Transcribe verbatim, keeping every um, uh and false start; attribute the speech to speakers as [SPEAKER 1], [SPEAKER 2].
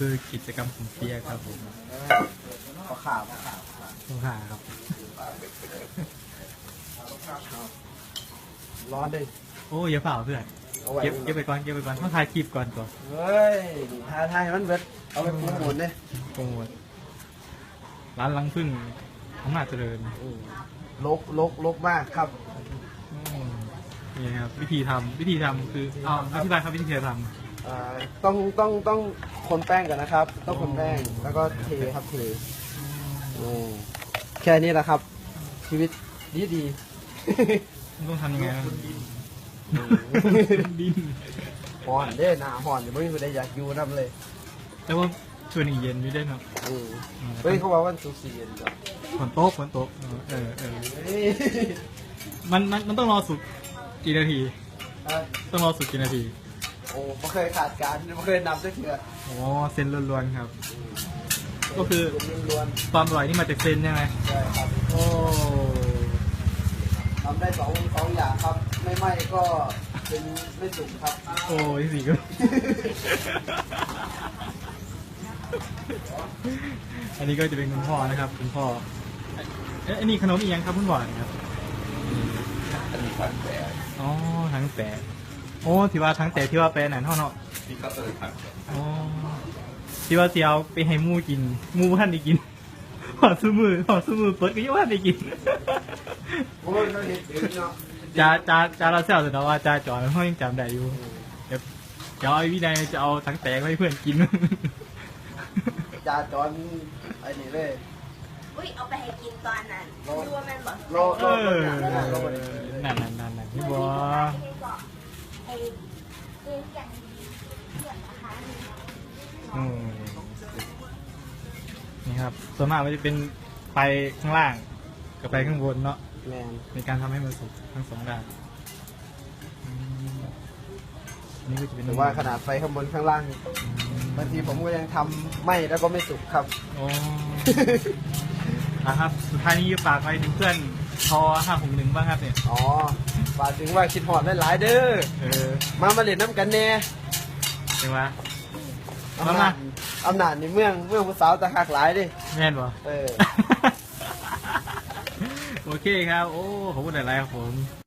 [SPEAKER 1] คือกิจกรรมของเปียครับผม
[SPEAKER 2] ขอข่าวขอข่าว
[SPEAKER 1] ต้องหาครับ
[SPEAKER 2] ร้อนดิ
[SPEAKER 1] โอ้ยอย่าเปล่าเพื่อน
[SPEAKER 2] เอาไว้
[SPEAKER 1] เก็บเก็บไปก่อนเก็บไปก่อนต้องถ่ายคลิปก่อนก่อน
[SPEAKER 2] เฮ้ยทายทายมันเบิดเอาไปปรุงหมดเลย
[SPEAKER 1] โปรโมทร้านลังพึ่งอำนาจเจริญ
[SPEAKER 2] ลกลกลกมากครับ
[SPEAKER 1] อืมนี่ครับวิธีทำวิธีทำคือเอาอธิบายครับวิธีท
[SPEAKER 2] อ่าต้องต้องต้องคนแป้งก่อนนะครับ ต้องคนแป้งแล้วก็เทครับเทอืมแค่นี้แหละครับ ชีวิตดีดี
[SPEAKER 1] ำต้องทำยังไงครับดิน
[SPEAKER 2] ห่อนเด้หนาห่อนเดี๋ยวไม่มีใครอยากอยู่น้ำเลย
[SPEAKER 1] แต่ว่าชวนอีกเย็นอยู่ด้วยเนาะ
[SPEAKER 2] อืมเฮ้ยเขาบอกว่ามันสุกสีเย็นจ้ะ
[SPEAKER 1] ฝนโต๊ะฝนโต๊ะเออเออ
[SPEAKER 2] เฮ้ย
[SPEAKER 1] มันมันมันต้องรอสุกกี่นาที
[SPEAKER 2] อ่ะ
[SPEAKER 1] ต้องรอสุกกี่นาที
[SPEAKER 2] โอ้ไม่เคยขาดการไม่เคยนำสักเถื่อ
[SPEAKER 1] อ๋อเส้นล้วนๆครับ ก็คือ
[SPEAKER 2] ล้วน
[SPEAKER 1] ความอร่อยนี่มาจากเส้นใช่ไหม
[SPEAKER 2] ๆใช่ครับ
[SPEAKER 1] โอ้
[SPEAKER 2] ทำได้สองสองอย่างครับ ไม่ไหม้ก็เป็นไม่สุกครับ
[SPEAKER 1] โอ้ยสิก็ อันนี้ก็จะเป็นคุณพ่อนะครับคุณพ่อเอ๊ะอันนี้ขนมอีกยังครับคุณพ่อครับ
[SPEAKER 3] อันนี้ผัดแปะ
[SPEAKER 1] อ๋อทั้งแปะโอ้ที่ว่าทั้งแต่ที่ว่าแปะหนันเท่าเนาะ
[SPEAKER 3] ที่เขาเลยผัดแปะ
[SPEAKER 1] อ๋อที่ว่าเสียวไปให้หมูกินหมูท่านได้กินหอดซื้อมือหอดซื้อมือเปิดก็ยังว่าได้กิน
[SPEAKER 2] โอ้ยเราเห็นถึงเนาะ
[SPEAKER 1] จ้าจ้าจ้าเราเสียวแต่เนาะว่าจ้าจอยเขายังจำได้อยู่เดี๋ยวเดี๋ยวไอ้วินัยจะเอาทั้งแตกให้เพื่อนกิน
[SPEAKER 2] จาจอนไอ้นี่เลย
[SPEAKER 4] อุ้ยเอาไปให้กินตอนนั้น
[SPEAKER 2] โล
[SPEAKER 4] ดูว่ามันบอก
[SPEAKER 2] โลโล
[SPEAKER 1] เออ
[SPEAKER 2] โลโล
[SPEAKER 1] นั่นนั่นนั่นนั่นพี่บัว
[SPEAKER 4] ให้บอกไอ้เรื่องอย่างเรื่องนะคะ
[SPEAKER 1] อืมนี่ครับส่วนมากมันจะเป็นไฟข้างล่างกับไฟข้างบนเนาะ
[SPEAKER 2] แมน
[SPEAKER 1] ในการทำให้มันสุกทั้งสองด้านอืมอันนี่ก็จะเป็น
[SPEAKER 2] หรือว่าขนาดไฟข้างบนข้างล่างบางทีผมก็ยังทำไหม้แล้วก็ไม่สุกครับ
[SPEAKER 1] โอ้ นะครับ สุดท้ายนี้ฝากไปถึงเพื่อนทอห้าหกหนึ่งบ้างครับเนี่ย
[SPEAKER 2] อ๋อฝากถึงว่าคิดหอดได้หลายเด้อ
[SPEAKER 1] เออ
[SPEAKER 2] มามาเล่นน้ำกันแน่
[SPEAKER 1] ใช่ไหม
[SPEAKER 2] อำนาจอำนาจในเมืองเมืองผู้สาวตะหักหลายดิ
[SPEAKER 1] แม่นบ่
[SPEAKER 2] เออ
[SPEAKER 1] โอเคครับ โอ้ขอบคุณหลายๆครับผม